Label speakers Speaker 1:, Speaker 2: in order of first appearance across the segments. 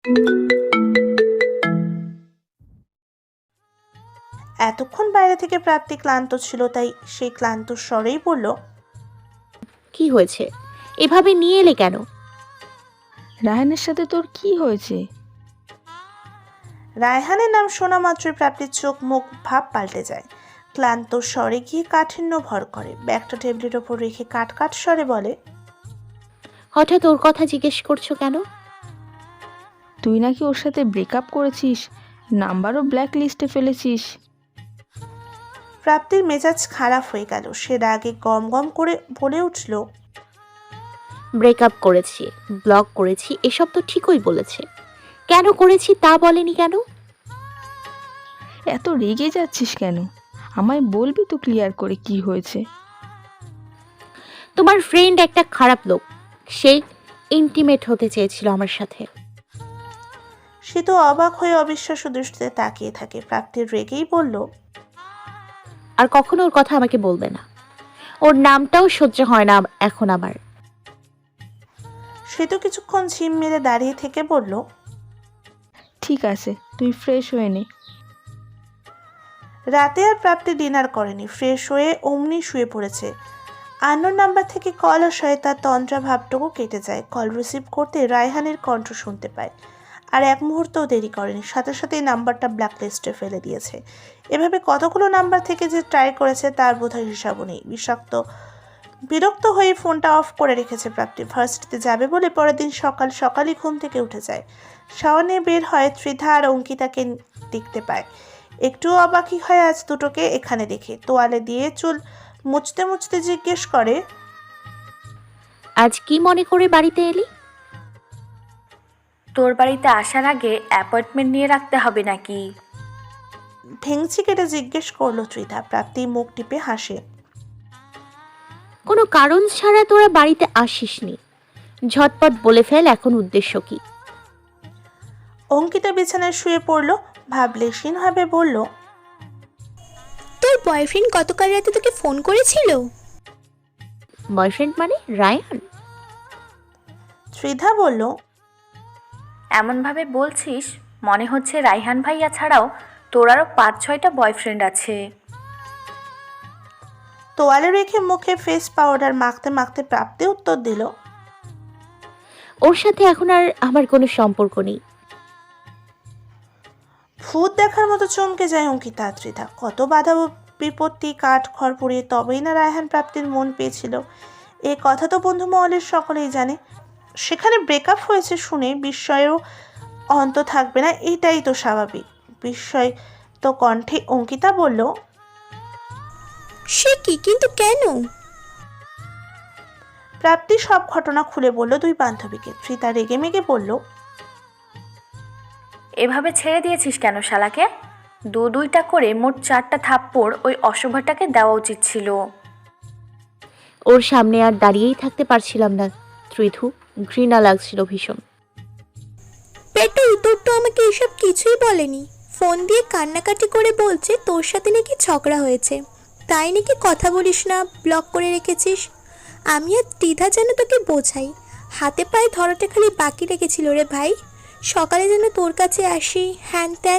Speaker 1: এতক্ষণ বাইরে থেকে প্রাপ্তি ক্লান্ত ছিল, তাই সেই ক্লান্ত স্বরেই বলল,
Speaker 2: কি হয়েছে? এভাবে নিয়ে এলে কেন?
Speaker 3: রায়হানের সাথে তোর কি হয়েছে?
Speaker 1: রায়হানের নাম শোনা মাত্রই প্রাপ্তির চোখ মুখ ভাব পাল্টে যায়। ক্লান্ত স্বরে গিয়ে কাঠিন্য ভর করে, ব্যাগটা টেবিলের ওপর রেখে কাট কাট স্বরে বলে,
Speaker 2: হঠাৎ ওর কথা জিজ্ঞেস করছো কেন?
Speaker 3: তুই নাকি ওর সাথে ব্রেকআপ করেছিস, নাম্বারও ব্ল্যাক লিস্টে ফেলেছিস।
Speaker 1: প্রাপ্তির মেজাজ খারাপ হয়ে গেল। সে রাগে গম গম করে বলে উঠল,
Speaker 2: ব্রেকআপ করেছি, ব্লক করেছি, এসব তো ঠিকই বলেছে। কেন করেছি তা বলেনি কেন?
Speaker 3: এত রেগে যাচ্ছিস কেন? আমায় বলবি তো ক্লিয়ার করে কি হয়েছে।
Speaker 2: তোমার ফ্রেন্ড একটা খারাপ লোক, সে ইন্টিমেট হতে চেয়েছিল আমার সাথে।
Speaker 1: সে তো অবাক হয়ে অবিশ্বাস্য দৃষ্টিতে তাকিয়ে থাকে। প্রাপ্তির রেগেই বলল,
Speaker 2: আর কখনো ওর কথা আমাকে বলবে না। ওর নামটাও সহ্য হয় না এখন আমার।
Speaker 1: সে তো কিছুক্ষণ ঝিম মেরে দাঁড়িয়ে থেকে বলল,
Speaker 3: ঠিক আছে, তুই ফ্রেশ হয়ে নে।
Speaker 1: রাতে আর প্রাপ্তি ডিনার করেনি, ফ্রেশ হয়ে অমনি শুয়ে পড়েছে। আন্নোর নাম্বার থেকে কল আসায় তার তন্দ্রা ভাবটুকু কেটে যায়। কল রিসিভ করতে রায়হানের কণ্ঠ শুনতে পায়। আর এক মুহূর্তও দেরি করেনি, সাথে সাথেই নাম্বারটা ব্ল্যাক লিস্টে ফেলে দিয়েছে। এভাবে কতগুলো নাম্বার থেকে যে ট্রাই করেছে তার বোধহয় হিসাবও নেই। বিরক্ত হয়ে ফোনটা অফ করে রেখেছে প্রাপ্তি। ভার্সিটিতে যাবে বলে পরের দিন সকাল সকালই ঘুম থেকে উঠে যায়। শাওয়ার নিয়ে বের হয়, ত্রিধা আর অঙ্কিতাকে দেখতে পায়। একটু অবাকই হয় আজ দুটোকে এখানে দেখে। তোয়ালে দিয়ে চুল মুছতে মুছতে জিজ্ঞেস করে,
Speaker 2: আজ কি মনে করে বাড়িতে এলি?
Speaker 4: তোর বাড়িতে আসার আগে অ্যাপয়েন্টমেন্ট নিয়ে রাখতে হবে নাকি?
Speaker 1: ভেংচি কেটে জিজ্ঞেস করলো ত্রিধা। প্রাপ্তি মুখ টিপে হাসে।
Speaker 2: কোনো কারণ ছাড়া তোরা বাড়িতে আসিসনি। ঝটপট বলে ফেল এখন উদ্দেশ্য কি?
Speaker 1: অঙ্কিতা বিছানায় শুয়ে পড়ল, ভাবলেশীনভাবে বলল,
Speaker 5: তোর বয়ফ্রেন্ড গতকাল রাতে তোকে ফোন করেছিল?
Speaker 2: বয়ফ্রেন্ড মানে রায়ান?
Speaker 1: ত্রিধা বলল,
Speaker 4: এমনভাবে বলছিস মনে হচ্ছে রাইহান ভাইয়া ছাড়াও তোর আরও 5-6টা বয়ফ্রেন্ড আছে।
Speaker 1: তোয়ালে রেখে মুখে ফেস পাউডার মাখতে মাখতে প্রাপ্তি উত্তর দিল,
Speaker 2: ওর সাথে এখন আর আমার কোনো সম্পর্ক নেই।
Speaker 1: ভূত দেখার মতো চমকে যায় অঙ্কিতা। ত্রিধা কত বাধা বিপত্তি কাঠ খড় পুড়িয়ে তবেই না রায়হান প্রাপ্তির মন পেয়েছিল। এ কথা তো বন্ধু মহলের সকলেই জানে। সেখানে ব্রেকআপ হয়েছে শুনে বিস্ময়েরও অন্ত থাকবে না, এটাই তো স্বাভাবিক। বিস্ময় তো কণ্ঠে অঙ্কিতা বলল,
Speaker 5: সে কি, কিন্তু কেন?
Speaker 1: প্রাপ্তি সব ঘটনা খুলে বলল দুই বান্ধবীকে। ত্রিতা রেগে মেগে বলল,
Speaker 4: এভাবে ছেড়ে দিয়েছিস কেন শালাকে? দুইটা করে মোট 4টা থাপ্পড় ওই অশুভটাকে দেওয়া উচিত ছিল।
Speaker 2: ওর সামনে আর দাঁড়িয়েই থাকতে পারছিলাম না ত্রিধু, ঘৃণা লাগছিল ভীষণ।
Speaker 5: পেটু তোর তো আমাকে এসব কিছুই বলেনি। ফোন দিয়ে কান্নাকাটি করে বলছে তোর সাথে নাকি ঝগড়া হয়েছে, তাই নাকি কথা বলিস না, ব্লক করে রেখেছিস। আমি আর দ্বিধা যেন তোকে বোঝাই, হাতে পায়ে ধরাটা খালি বাকি রেখেছিল রে ভাই। সকালে যেন তোর কাছে আসি, হ্যান ত্যান।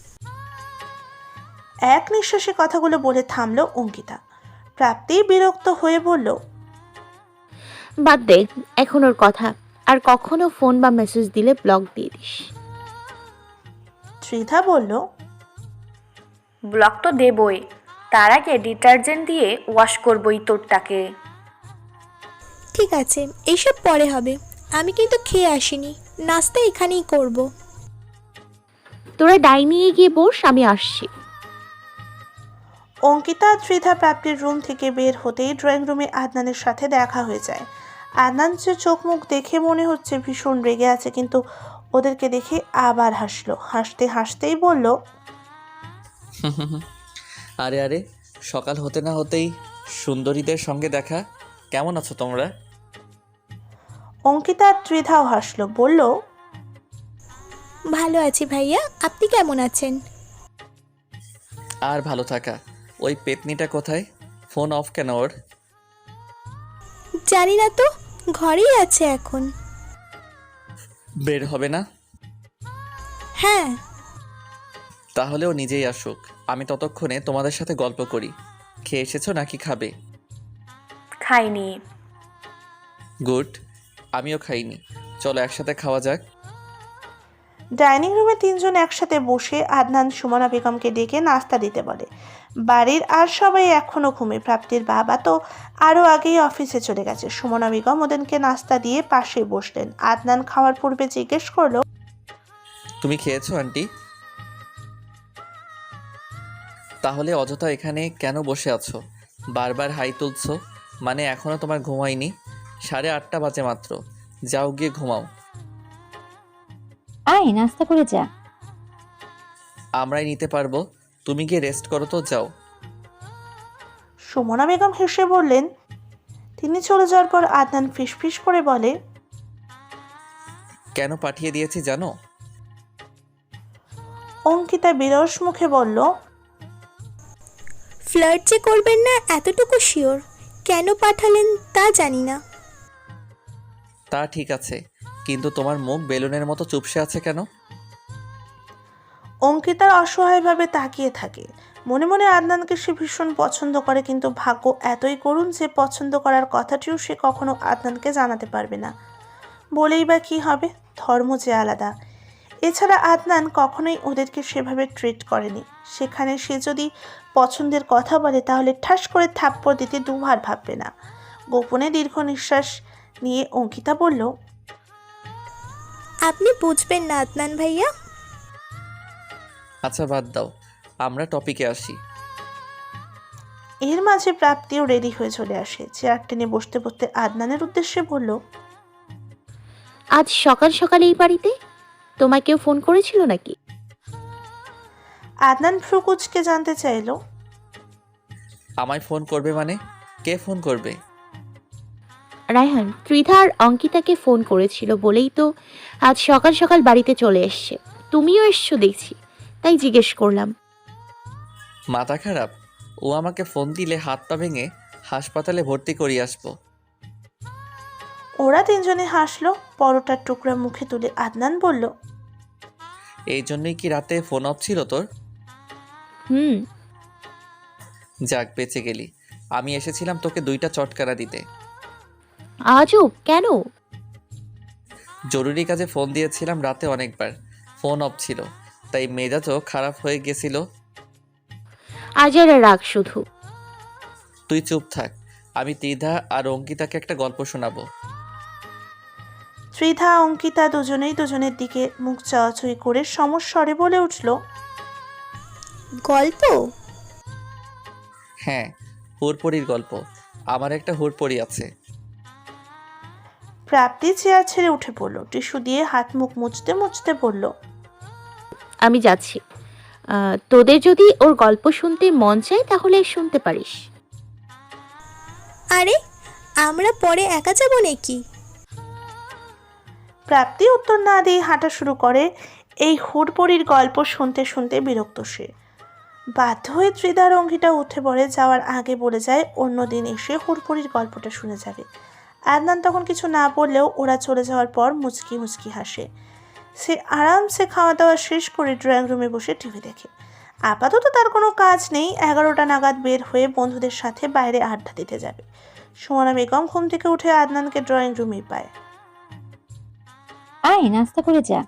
Speaker 1: এক নিঃশ্বাসে কথাগুলো বলে থামলো অঙ্কিতা। প্রাপ্তি বিরক্ত হয়ে বলল,
Speaker 2: বাদ দে এখন ওর কথা, আর কখনো ফোন বা মেসেজ দিলে ব্লক দিয়ে দিস।
Speaker 1: ত্রিধা বলল,
Speaker 4: ব্লক তো দেবই, তার আগে ডিটারজেন্ট দিয়ে ওয়াশ করবই তোরটাকে।
Speaker 5: ঠিক আছে, এইসব পরে হবে। আমি কিন্তু খেয়ে আসিনি, নাস্তা এখানেই করব।
Speaker 2: তোরা ডাইনিংয়ে গিয়ে বস, আমি আসছি।
Speaker 1: অঙ্কিতা আর ত্রিধা প্রাপ্তির রুম থেকে বের হতেই ড্রয়িং রুমে আদনানের সাথে দেখা হয়ে যায়। আদনান যে চোখ মুখ দেখে মনে হচ্ছে ভীষণ রেগে আছে, কিন্তু ওদেরকে দেখে আবার হাসলো। হাসতে হাসতেই বলল,
Speaker 6: আরে আরে, সকাল হতে না হতেই সুন্দরীদের সঙ্গে দেখা। কেমন আছো তোমরা?
Speaker 1: অঙ্কিতা আর ত্রিধাও হাসলো, বলল,
Speaker 5: ভালো আছি ভাইয়া, আপনি কেমন আছেন?
Speaker 6: আর ভালো থাকা। ওই পেতনিটা কোথায়? ফোন অফ কেন ওর?
Speaker 5: জানি না তো, ঘরেই আছে এখন।
Speaker 6: বের হবে না?
Speaker 5: হ্যাঁ।
Speaker 6: তাহলেও নিজেই আসুক, আমি ততক্ষণে তোমাদের সাথে গল্প করি। খেয়ে এসেছো নাকি খাবে?
Speaker 4: খাইনি।
Speaker 6: গুড, আমিও খাইনি। চলো একসাথে খাওয়া যাক।
Speaker 1: ডাইনিং রুমে তিনজন একসাথে বসে আদনান সুমনা বেগমকে ডেকে নাস্তা দিতে বলে। বাড়ির আর সবাই এখনো ঘুমে। প্রাপ্তির বাবা তো আরও আগেই অফিসে চলে গেছে। সুমনা বেগম ওদেরকে নাস্তা দিয়ে পাশে বসলেন। আদনান খাওয়ার পূর্বে জিজ্ঞেস করলো,
Speaker 6: তুমি খেয়েছো আন্টি? তাহলে অযথা এখানে কেন বসে আছো? বারবার হাই তুলছো, মানে এখনো তোমার ঘুম হয়নি? 8:30 বাজে মাত্র। যাও গিয়ে ঘুমাও।
Speaker 7: আয় নাস্তা করে যা।
Speaker 6: আমরাই নিতে পারবো, তুমি গিয়ে রেস্ট করো তো, যাও।
Speaker 1: সুমনা বেগম হেসে বললেন। তিনি চলে যাওয়ার পর আদনান ফিসফিস করে বলে,
Speaker 6: কেন পাঠিয়ে দিয়েছি জানো?
Speaker 1: অঙ্কিতা বিরস মুখে বলল,
Speaker 5: ফ্লার্ট যে করবেন না এতটুকু শিওর, কেন পাঠালেন তা জানি না।
Speaker 6: তা ঠিক আছে, কিন্তু তোমার মুখ বেলুনের মতো চুপসে আছে কেন?
Speaker 1: অঙ্কিতার অসহায়ভাবে তাকিয়ে থাকে। মনে মনে আদনানকে সে ভীষণ পছন্দ করে, কিন্তু ভাগ্য এতই করুণ যে পছন্দ করার কথাটিও সে কখনো আদনানকে জানাতে পারবে না। বলেই বা কী হবে, ধর্ম যে আলাদা। এছাড়া আদনান কখনোই ওদেরকে সেভাবে ট্রিট করেনি। সেখানে সে যদি পছন্দের কথা বলে তাহলে ঠাস করে থাপ্পড় দিতে দুবার ভাববে না। গোপনে দীর্ঘ নিঃশ্বাস নিয়ে অঙ্কিতা বলল,
Speaker 5: আপনি বুঝবেন না আদনান ভাইয়া।
Speaker 6: আচ্ছা বাদ দাও, আমরা টপিকে আসি।
Speaker 1: এর মাঝে প্রাপ্তিও রেডি হয়ে চলে আসে। চেয়ার টেনে বসতে বসতে আদনানের উদ্দেশ্যে বলল,
Speaker 2: আজ সকাল সকাল এই বাড়িতে তোমায় কেউ ফোন করেছিল নাকি?
Speaker 1: আদনান ফ্রুকুচকে জানতে চাইল,
Speaker 6: আমায় ফোন করবে মানে? কে ফোন করবে?
Speaker 2: রায়হান ত্রিধা আর অঙ্কিতাকে ফোন করেছিল বলেই তো আজ সকাল সকাল বাড়িতে চলে এসছে। তুমিও এসছো দেখছি, তাই জিজ্ঞেস করলাম।
Speaker 6: মাথা খারাপ? ও আমাকে ফোন দিলে হাত পা ভেঙে হাসপাতালে ভর্তি করিয়ে আসবো।
Speaker 1: ওরা তিনজনে হাসলো। পরোটার টুকরা মুখে তুলে আদনান বলল,
Speaker 6: এই জন্যই কি রাতে ফোন অফ ছিল তোর?
Speaker 2: হুম।
Speaker 6: যাক বেঁচে গেলি। আমি এসেছিলাম তোকে 2টা চটকানা দিতে।
Speaker 2: আজও কেন?
Speaker 6: জরুরি কাজে ফোন দিয়েছিলাম রাতে অনেকবার, ফোন অফ ছিল, তাই মেজাজও খারাপ হয়ে গেছিল।
Speaker 2: আজ আর রাগ শুধু।
Speaker 6: তুই চুপ থাক, আমি ত্রিধা আর অঙ্কিতাকে একটা গল্প শোনাবো।
Speaker 1: ত্রিধা অঙ্কিতা দুজনেই দুজনের দিকে মুখ চাওয়াচুই করে সমস্বরে বলে উঠল,
Speaker 5: গল্প?
Speaker 6: হ্যাঁ, হুড়পড়ির গল্প। আমার একটা হুড়পড়ি আছে।
Speaker 1: প্রাপ্তি চেয়ার ছেড়ে উঠে পড়ল। টিস্যু দিয়ে হাত মুখ মুছতে মুছতে বলল,
Speaker 2: আমি যাচ্ছি। তোদের যদি ওর গল্প শুনতে মন চায় তাহলে শুনতে পারিস।
Speaker 5: আরে আমরা পরে একা যাব নাকি?
Speaker 1: প্রাপ্তি উত্তর না দিয়ে হাঁটা শুরু করে। এই হুড়পড়ির গল্প শুনতে শুনতে বিরক্ত সে। বাধ্য হয়ে ত্রিধার অঙ্গিটা উঠে পড়ে। যাওয়ার আগে বলে যায় অন্যদিন এসে হুড়পড়ির গল্পটা শুনে যাবে। আদনান তখন কিছু না বললেও ওরা চলে যাওয়ার পর মুচকি মুচকি হাসে। সে আরামসে খাওয়া দাওয়া শেষ করে ড্রয়িং রুমে বসে টিভি দেখে। আপাতত তার কোনো কাজ নেই। 11টা নাগাদ বের হয়ে বন্ধুদের সাথে বাইরে আড্ডা দিতে যাবে। সুমনা বেগম ঘুম থেকে উঠে আদনানকে ড্রয়িং রুমেই পায়।
Speaker 7: আয় নাস্তা করে যা।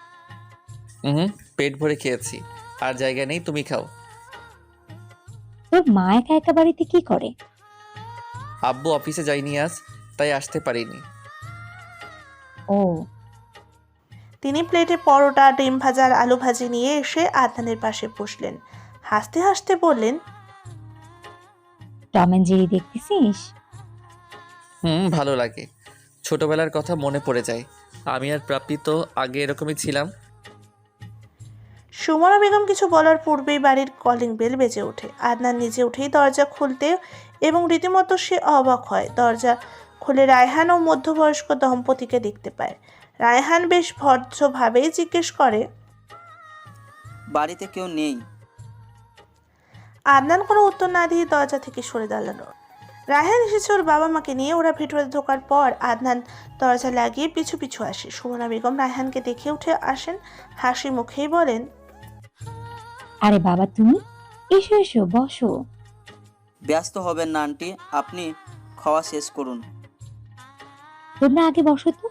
Speaker 6: পেট ভরে খেয়েছি, আর জায়গা নেই, তুমি খাও।
Speaker 7: তোর মা একা একা বাড়িতে কি করে?
Speaker 6: আব্বু অফিসে যায়নি আজ, তাই আসতে পারিনি।
Speaker 7: ও,
Speaker 1: তিনি প্লেটে পরোটা, ডিম ভাজা আর আলু ভাজি নিয়ে এসে আদনানের পাশে বসলেন। হাসতে হাসতে বললেন,
Speaker 7: টম এন্ড জেরি দেখতেছিস?
Speaker 6: ভালো লাগে। ছোটবেলার কথা মনে পড়ে যায়। আমি আর প্রাপ্তি তো আগে এরকমই ছিলাম।
Speaker 1: সুমনা বেগম কিছু বলার পূর্বেই বাড়ির কলিং বেল বেজে ওঠে। আদনান নিজে উঠেই দরজা খুলতে এবং রীতিমতো সে অবাক হয়। দরজা খুলে রায়হান ও মধ্যবয়স্ক দম্পতিকে দেখতে পায়। রায়হান বেশ ভদ্রভাবেই জিজ্ঞেস করে,
Speaker 8: বাড়িতে কেউ নেই?
Speaker 1: আদনান কোনো উত্তর না দিয়ে দরজা থেকে সরে দাঁড়ালো। রায়হান এসেছে ওর বাবা মাকে নিয়ে। ওরা ভেতরে ঢোকার পর আদনান দরজা লাগিয়ে পিছু পিছু আসে। সুমনা বেগম রায়হানকে দেখে উঠে আসেন, হাসি মুখেই বলেন,
Speaker 7: আরে বাবা তুমি, এসো এসো বসো।
Speaker 8: ব্যস্ত হবেন না আন্টি, আপনি খাওয়া শেষ করুন।
Speaker 7: তোমরা আগে বসো তো।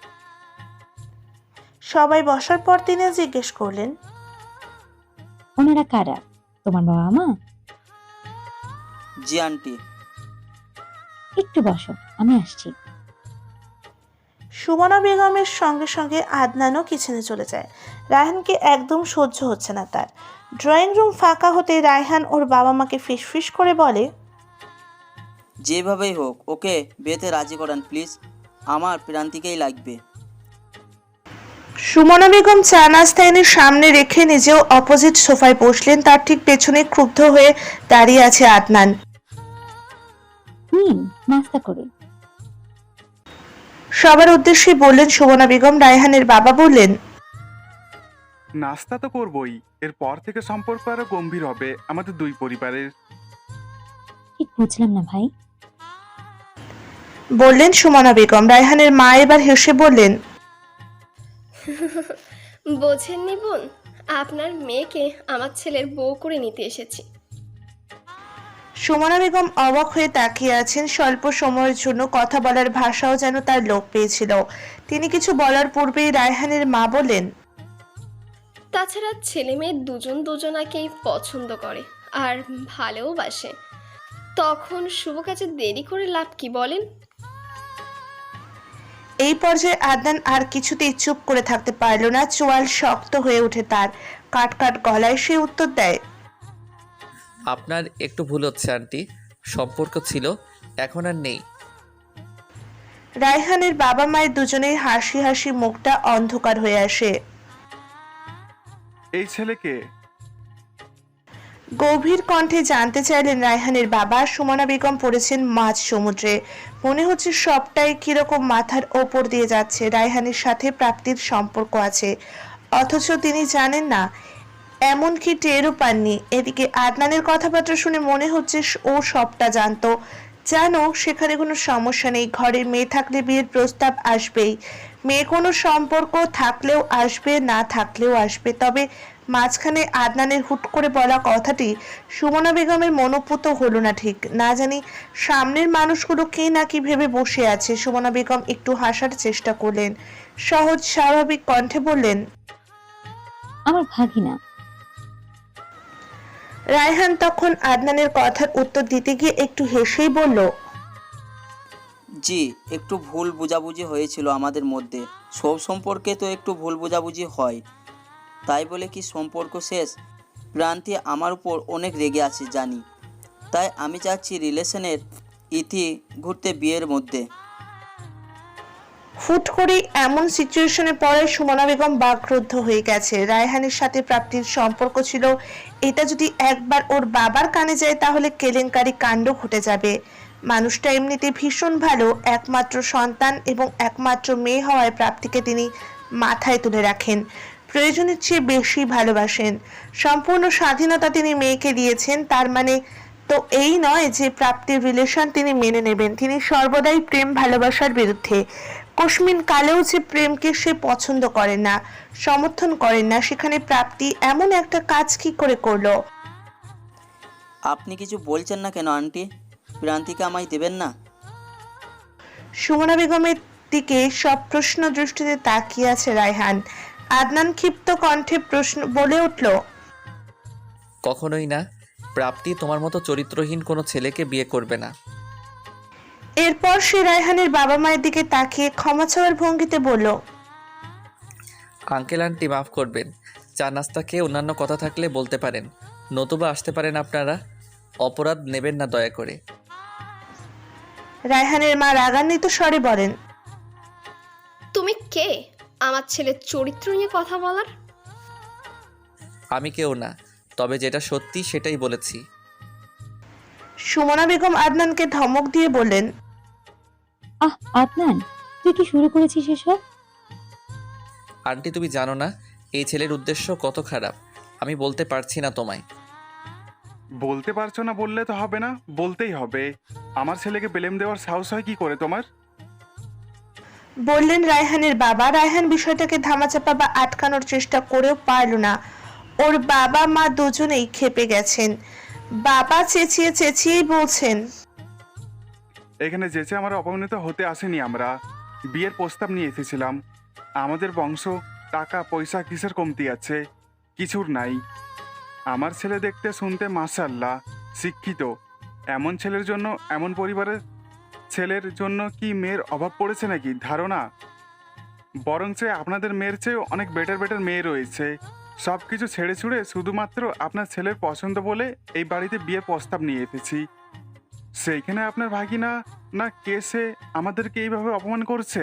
Speaker 1: সবাই বসার পর তিনি জিজ্ঞেস করলেন,
Speaker 7: ওনারা কারা? তোমার বাবা মা?
Speaker 8: জি আন্টি।
Speaker 7: একটু বসো, আমি আসছি।
Speaker 1: সুমনা বেগমের সঙ্গে সঙ্গে আদনানও কিচেনে চলে যায়। রায়হানকে একদম সহ্য হচ্ছে না তার। ড্রয়িং রুম ফাঁকা হতে রায়হান ওর বাবা মাকে ফিসফিস করে বলে,
Speaker 8: যেভাবেই হোক ওকে বিয়েতে রাজি করান প্লিজ, আমার প্রান্তিকেই লাগবে।
Speaker 1: সুমনা বেগম চা নাস্তা এনে সামনে রেখে নিজেও অপোজিট সোফায় বসলেন। তার ঠিক পেছনে ক্ষুব্ধ হয়ে দাঁড়িয়ে আছে আদনান।
Speaker 7: নাস্তা করুন।
Speaker 1: সবার উদ্দেশ্যে বললেন সুমনা বেগম। রায়হানের বাবা বললেন,
Speaker 9: নাস্তা তো করবই, এরপর থেকে সম্পর্ক আরো গম্ভীর হবে আমাদের দুই পরিবারের।
Speaker 7: ঠিক বুঝলাম না ভাই।
Speaker 1: বললেন সুমনা বেগম। রায়হানের মা এবার হেসে বললেন,
Speaker 10: বোঝেননি বোন, আপনার মেয়েকে আমার ছেলের বউ করে নিতে এসেছি।
Speaker 1: সুমনা বেগম অবাক হয়ে তাকিয়ে আছেন। স্বল্প সময়ের জন্য কথা বলার ভাষাও যেন তার লোপ পেয়েছিল। তিনি কিছু বলার পূর্বেই রায়হানের মা বলেন,
Speaker 10: তাছাড়া ছেলে মেয়ে দুজন দুজনাকেই পছন্দ করে আর ভালোবাসে, তখন শুভ কাজে দেরি করে লাভ কি বলেন?
Speaker 1: এই পর্যায়ে আদনান আর কিছুতেই চুপ করে থাকতে পারল না। চোয়াল শক্ত হয়ে ওঠে তার। কাট কাট গলায় সে উত্তর দেয়,
Speaker 6: আপনার একটু ভুল হচ্ছে আন্টি, সম্পর্ক ছিল, এখন আর নেই।
Speaker 1: রায়হানের বাবা মায়ের দুজনেই হাসি হাসি মুখটা অন্ধকার হয়ে আসে।
Speaker 9: এই ছেলেকে
Speaker 1: গভীর কণ্ঠে জানতে চাইলেন রায়হানের বাবা। সুমনা বেগম পড়েছেন মাঝ সমুদ্রে। মনে হচ্ছে সবটাই কিরকম মাথার ওপর দিয়ে যাচ্ছে। রায়হানের সাথে প্রাপ্তির সম্পর্ক আছে, অথচ তিনি জানেন না, এমনকি টেরও পাননি। এদিকে আদনানের কথাবার্তা শুনে মনে হচ্ছে ও সবটা জানতো। জানো সেখানে কোনো সমস্যা নেই, ঘরে মেয়ে থাকলে বিয়ের প্রস্তাব আসবেই। মেয়ে কোনো সম্পর্ক থাকলেও আসবে, না থাকলেও আসবে। তবে মাঝখানে আদনানের হুট করে বলা কথাটি সুমনা বেগমের মনোপুত হলো না ঠিক। না জানি সামনের মানুষগুলো কে নাকি ভেবে বসে আছে। সুমনা বেগম একটু হাসার চেষ্টা করলেন, সহজ স্বাভাবিক কণ্ঠে বললেন,
Speaker 7: আমার ভাগিনা।
Speaker 1: রায়হান তখন আদনানের কথার উত্তর দিতে গিয়ে একটু হেসেই বলল,
Speaker 8: জি, একটু ভুল বোঝাবুঝি হয়েছিল আমাদের মধ্যে, সব সম্পর্কে তো একটু ভুল বোঝাবুঝি হয়, তাই বলে কি সম্পর্ক শেষ? প্রান্তি আমার উপর অনেক রেগে আছে জানি, তাই আমি চাচ্ছি রিলেশনের ইতি ঘুরতে বিয়ের মধ্যে।
Speaker 1: হুট করে এমন সিচুয়েশনে পড়ে সুমনা বেগম বাকরুদ্ধ হয়ে গেছে। রায়হানের সাথে প্রাপ্তির সম্পর্ক ছিল, এটা যদি একবার ওর বাবার কানে যায় তাহলে কেলেঙ্কারি কাণ্ড ঘটে যাবে। মানুষটা এমনিতে ভীষণ ভালো, একমাত্র সন্তান এবং একমাত্র মেয়ে হওয়ায় প্রাপ্তিকে তিনি মাথায় তুলে রাখেন, প্রয়োজনের চেয়ে বেশি ভালোবাসেন। সম্পূর্ণ স্বাধীনতা তিনি মেয়েকে দিয়েছেন। তার মানে তো এই নয় যে প্রাপ্তির রিলেশন তিনি মেনে নেবেন। তিনি সর্বদাই প্রেম ভালোবাসার বিরুদ্ধে। কস্মিন কালেও যে প্রেমকে সে পছন্দ করেন না, সমর্থন করেন না, সেখানে প্রাপ্তি এমন একটা কাজ কি করে করলো?
Speaker 8: আপনি কিছু বলছেন না কেন আন্টি? প্রান্তিকে আমায় দেবেন না?
Speaker 1: সুমনা বেগমের দিকে সব প্রশ্ন দৃষ্টিতে তাকিয়ে আছে রায়হান। আদনান ক্ষিপ্ত কণ্ঠে প্রশ্ন বলে উঠল,
Speaker 6: কখনোই না, প্রাপ্তি তোমার মতো চরিত্রহীন কোনো ছেলেকে বিয়ে করবে না।
Speaker 1: এরপর সে রায়হানের বাবা মায়ের দিকে তাকিয়ে ক্ষমা চাওয়ার ভঙ্গিতে বলল,
Speaker 6: আঙ্কেল আন্টি মাফ করবেন, চা নাস্তা খেয়ে অন্যান্য কথা থাকলে বলতে পারেন, নতুবা আসতে পারেন আপনারা, অপরাধ নেবেন না দয়া করে।
Speaker 1: রায়হানের মা রাগান্বিত স্বরে বলেন,
Speaker 10: তুমি কে আমার ছেলের চরিত্র নিয়ে কথা বলার?
Speaker 6: আমি কেউ না, তবে যেটা সত্যি সেটাই বলেছি।
Speaker 1: সুমনা বেগম আদনানকে ধমক দিয়ে বললেন,
Speaker 7: আদনান, তুই কি শুরু করেছিস এসব?
Speaker 6: আন্টি তুমি জানো না এই ছেলের উদ্দেশ্য কত খারাপ, আমি বলতে পারছি না তোমায়।
Speaker 9: বলতে পারছো না বললে তো হবে না, বলতেই হবে। আমার ছেলেকে ব্লেম দেওয়ার সাহস হয় কি করে তোমার?
Speaker 1: বললেন রায়হানের বাবা। রায়হান বিষয়টাকে ধামাচাপা বা আটকানোর চেষ্টা করেও পারল না। ওর বাবা মা দুজনেই ক্ষেপে গেছেন। বাবা চেঁচিয়ে চেঁচিয়েই বলছেন,
Speaker 9: এখানে যেচে আমরা অপমানিত হতে আসেনি, আমরা বিয়ের প্রস্তাব নিয়ে এসেছিলাম। আমাদের বংশ টাকা পয়সা কিসের কমতি আছে? কিছুর নাই। আমার ছেলে দেখতে শুনতে মাশাআল্লাহ শিক্ষিত। এমন ছেলের জন্য, এমন পরিবারের ছেলের জন্য কি মেয়ের অভাব পড়েছে নাকি ধারণা? বরঞ্চ আপনাদের মেয়ের চেয়েও অনেক বেটার বেটার মেয়ে রয়েছে। সব কিছু ছেড়ে ছুড়ে শুধুমাত্র আপনার ছেলের পছন্দ বলে এই বাড়িতে বিয়ের প্রস্তাব নিয়ে এসেছি। সেইখানে আপনার ভাগিনা না কেসে আমাদেরকে এইভাবে অপমান করছে।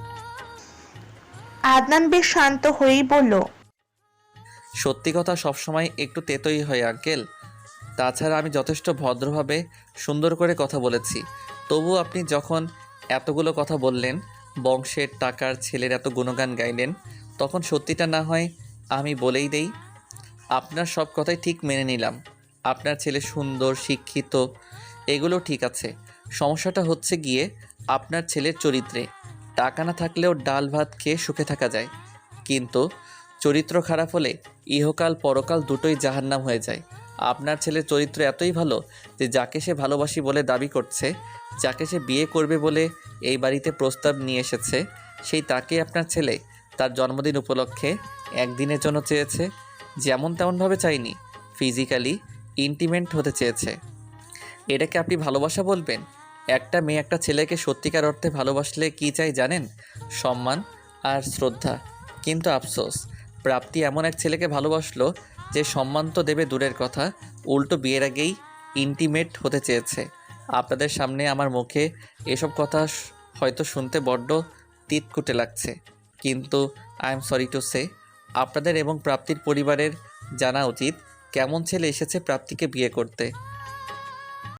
Speaker 1: আদনান বেশ শান্ত হয়েই বলল,
Speaker 6: সত্যি কথা সবসময় একটু তেতোই হয় আঙ্কেল। তাছাড়া আমি যথেষ্ট ভদ্রভাবে সুন্দর করে কথা বলেছি। তবু আপনি যখন এতগুলো কথা বললেন, বংশের টাকার ছেলের এত গুণগান গাইলেন, তখন সত্যিটা না হয় আমি বলেই দেই। আপনার সব কথাই ঠিক মেনে নিলাম। আপনার ছেলে সুন্দর, শিক্ষিত, এগুলো ঠিক আছে। সমস্যাটা হচ্ছে গিয়ে আপনার ছেলের চরিত্রে। টাকা না থাকলেও ডাল ভাত খেয়ে সুখে থাকা যায়, কিন্তু চরিত্র খারাপ হলে ইহকাল পরকাল দুটোই জাহান্নাম হয়ে যায়। আপনার ছেলের চরিত্র এতই ভালো যে যাকে সে ভালোবাসি বলে দাবি করছে, যাকে সে বিয়ে করবে বলে এই বাড়িতে প্রস্তাব নিয়ে এসেছে, সেই তাকে আপনার ছেলে তার জন্মদিন উপলক্ষে একদিনের জন্য চেয়েছে। যেমন তেমনভাবে চাইনি, ফিজিক্যালি ইন্টিমেন্ট হতে চেয়েছে। এটাকে আপনি ভালোবাসা বলবেন? একটা মেয়ে একটা ছেলেকে সত্যিকার অর্থে ভালোবাসলে কী চাই জানেন? সম্মান আর শ্রদ্ধা। কিন্তু আফসোস, প্রাপ্তি এমন এক ছেলেকে ভালোবাসলো যে সম্মান তো দেবে দূরের কথা, উল্টো বিয়ের আগেই ইন্টিমেট হতে চেয়েছে। আপনাদের সামনে আমার মুখে এসব কথা হয়তো শুনতে বড্ড তিতকুটে লাগছে, কিন্তু I am sorry to say, আপনাদের এবং প্রাপ্তির পরিবারের জানা উচিত কেমন ছেলে এসেছে প্রাপ্তিকে বিয়ে করতে।